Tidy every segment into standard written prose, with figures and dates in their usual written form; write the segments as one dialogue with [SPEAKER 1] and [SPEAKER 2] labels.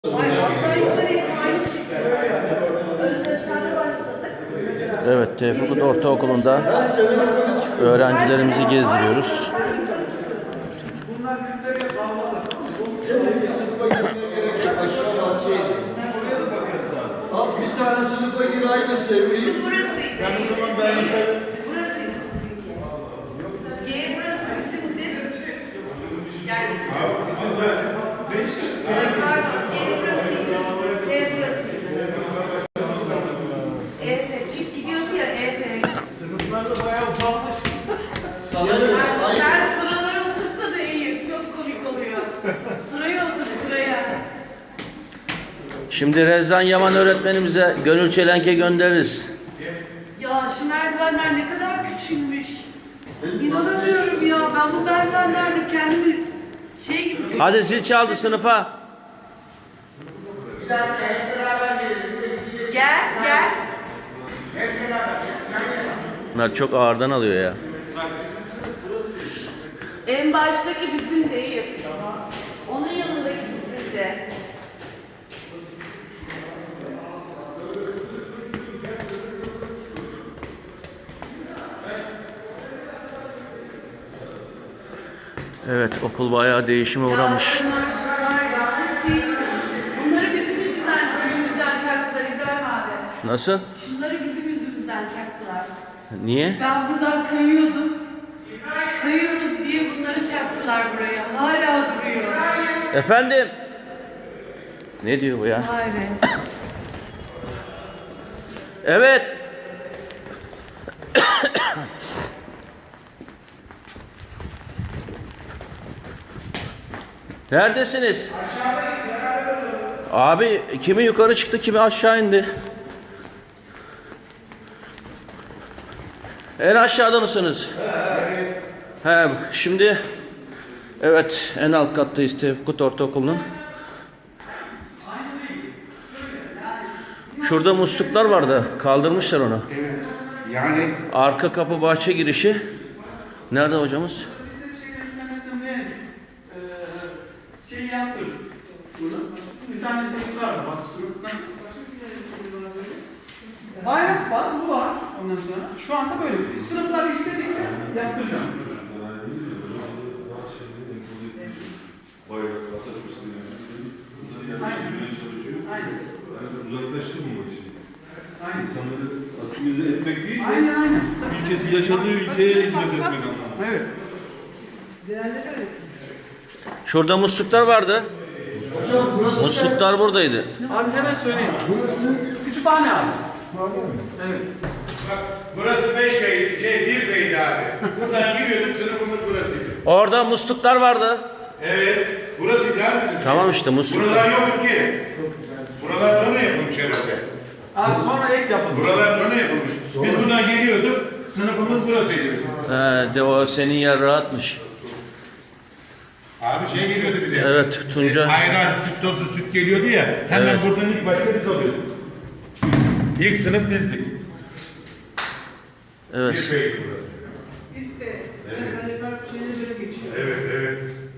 [SPEAKER 1] Evet, Tevfikut Ortaokulu'nda öğrencilerimizi gezdiriyoruz.
[SPEAKER 2] Bir tane sınıfa gir aynı sevgiyi.
[SPEAKER 3] Burasıydı.
[SPEAKER 2] Yani o zaman ben yukarı...
[SPEAKER 3] Burasıydı sizinki. G burası bizimdi. Yani...
[SPEAKER 2] Abi bizim de 5...
[SPEAKER 3] Pardon, G burasıydı. G burasıydı. EF, çift gidiyordu ya EF.
[SPEAKER 2] Sınıflarda bayağı ufalmış.
[SPEAKER 3] Sen sıralara otursa da iyi. Çok komik oluyor. Sıraya otur, sıraya.
[SPEAKER 1] Şimdi Rezan Yaman öğretmenimize gönül çelenke göndeririz.
[SPEAKER 3] Ya şu merdivenler ne kadar küçülmüş. İnanamıyorum ya. Ben bu merdivenlerde kendimi şey gibi...
[SPEAKER 1] Hadi zil çaldı sınıfa.
[SPEAKER 2] Bir dakika hep beraber gelelim.
[SPEAKER 3] Gel, gel.
[SPEAKER 2] Hep beraber.
[SPEAKER 1] Bunlar çok ağırdan alıyor ya.
[SPEAKER 3] En baştaki bizim değil. Onun yanındaki sizin de.
[SPEAKER 1] Evet, okul bayağı değişime uğramış.
[SPEAKER 3] Bunlar hiç değişmedi. Bunları bizim yüzümüzden çaktılar İbrahim abi.
[SPEAKER 1] Nasıl?
[SPEAKER 3] Şunları bizim yüzümüzden çaktılar.
[SPEAKER 1] Niye?
[SPEAKER 3] Ben buradan kayıyordum. Kayıyoruz diye bunları çaktılar buraya. Hala duruyor.
[SPEAKER 1] Efendim? Ne diyor bu ya?
[SPEAKER 3] Vay be.
[SPEAKER 1] Evet. Neredesiniz? Abi kimi yukarı çıktı, kimi aşağı indi. En aşağıda mısınız? He, şimdi evet en alt kattayız Tevfikut Ortaokulu'nun. Şurada musluklar vardı. Kaldırmışlar onu.
[SPEAKER 2] Evet. Yani...
[SPEAKER 1] Arka kapı bahçe girişi. Nerede hocamız?
[SPEAKER 4] Şey yaptım. Bir tane sınıf vardı, baskısını. Nasıl? Bayrak var, bu var. Ondan sonra şu anda böyle. Sınıflar istedikçe yaptıracağım. Aynen.
[SPEAKER 5] Uzaklaştırmamak için.
[SPEAKER 4] Aynen.
[SPEAKER 5] İnsanları asimile etmek değil de
[SPEAKER 4] Aynen.
[SPEAKER 5] ülkesi yaşadığı ülkeye hizmet etmek anlamında.
[SPEAKER 4] Evet.
[SPEAKER 1] Şurada musluklar vardı. Musluklar buradaydı.
[SPEAKER 4] Abi hemen söyleyeyim. Kütüphane abi. Evet.
[SPEAKER 2] Bak burası 5 bey, 1 beydi abi. Buradan giriyorduk, sınıfımız burasıydı.
[SPEAKER 1] Orada musluklar vardı.
[SPEAKER 2] Evet, burasıydı abi.
[SPEAKER 1] Tamam işte musluklar.
[SPEAKER 2] Buralar yoktu ki. Buralar sonra yapılmış herhalde.
[SPEAKER 4] Abi sonra ek yapalım.
[SPEAKER 2] Buralar sonra yapılmış. Biz buradan geliyorduk, sınıfımız burasıydı.
[SPEAKER 1] He, de o senin yer rahatmış.
[SPEAKER 2] Abi şey geliyordu bize.
[SPEAKER 1] Evet, Tunca.
[SPEAKER 2] Ayran, süt tozu, süt geliyordu ya. Hemen
[SPEAKER 1] Evet.
[SPEAKER 2] buradan ilk başta biz alıyorduk. İlk sınıf bizdik.
[SPEAKER 1] Evet.
[SPEAKER 2] Bir beydi burası. Evet, evet.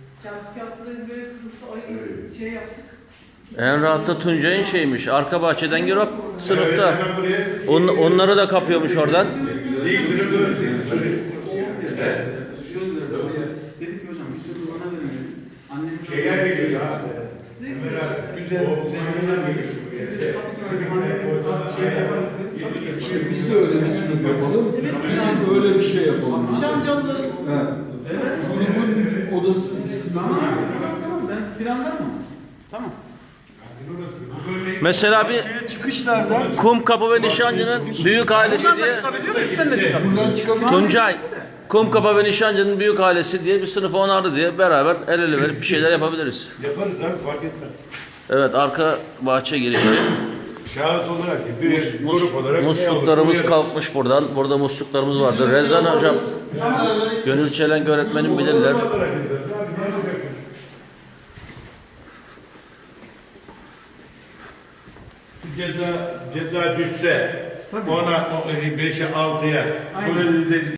[SPEAKER 3] Şey yaptık.
[SPEAKER 1] En rahatta Tuncay'ın şeymiş. Arka bahçeden gir hop sınıfta.
[SPEAKER 2] Evet, hemen buraya.
[SPEAKER 1] Onları da kapıyormuş oradan.
[SPEAKER 2] İlk sınıf burasıydı. Evet.
[SPEAKER 4] Dedik ki hocam bir sınıf bana verin. Annemin
[SPEAKER 2] Şeyler geliyor ya.
[SPEAKER 4] güzel,
[SPEAKER 2] Güzel geliyor.
[SPEAKER 4] Siz kapısına annemin şey yapalım.
[SPEAKER 6] İşte biz de öyle bir sınıf yapalım. Bizim de öyle bir şey yapalım.
[SPEAKER 4] Şamcalıların.
[SPEAKER 6] Evet. Grubun odası.
[SPEAKER 4] Tamam. Ben planlarım mı? Tamam.
[SPEAKER 1] Mesela bir
[SPEAKER 6] Çıkışlardan
[SPEAKER 1] Kumkapı ve Nişancı'nın büyük ailesi diye
[SPEAKER 4] Çıkabiliyor mu? Üstten de çıkabiliyor.
[SPEAKER 6] buradan çıkabilir.
[SPEAKER 1] Tuncay Kumkapı ve Nişancı'nın büyük ailesi diye bir sınıfı onardı diye beraber el ele verip bir şeyler yapabiliriz.
[SPEAKER 2] Yaparız abi, fark etmez.
[SPEAKER 1] Evet, arka bahçe girişi.
[SPEAKER 2] Şahıs olarak değil, bir grup olarak.
[SPEAKER 1] Musluklarımız
[SPEAKER 2] ne olur?
[SPEAKER 1] kalkmış buradan. Burada musluklarımız vardı. Rezan hocam, Gönül Çelenk öğretmenim bilirler.
[SPEAKER 2] Ceza düşse ona 5'e 6'ya böyle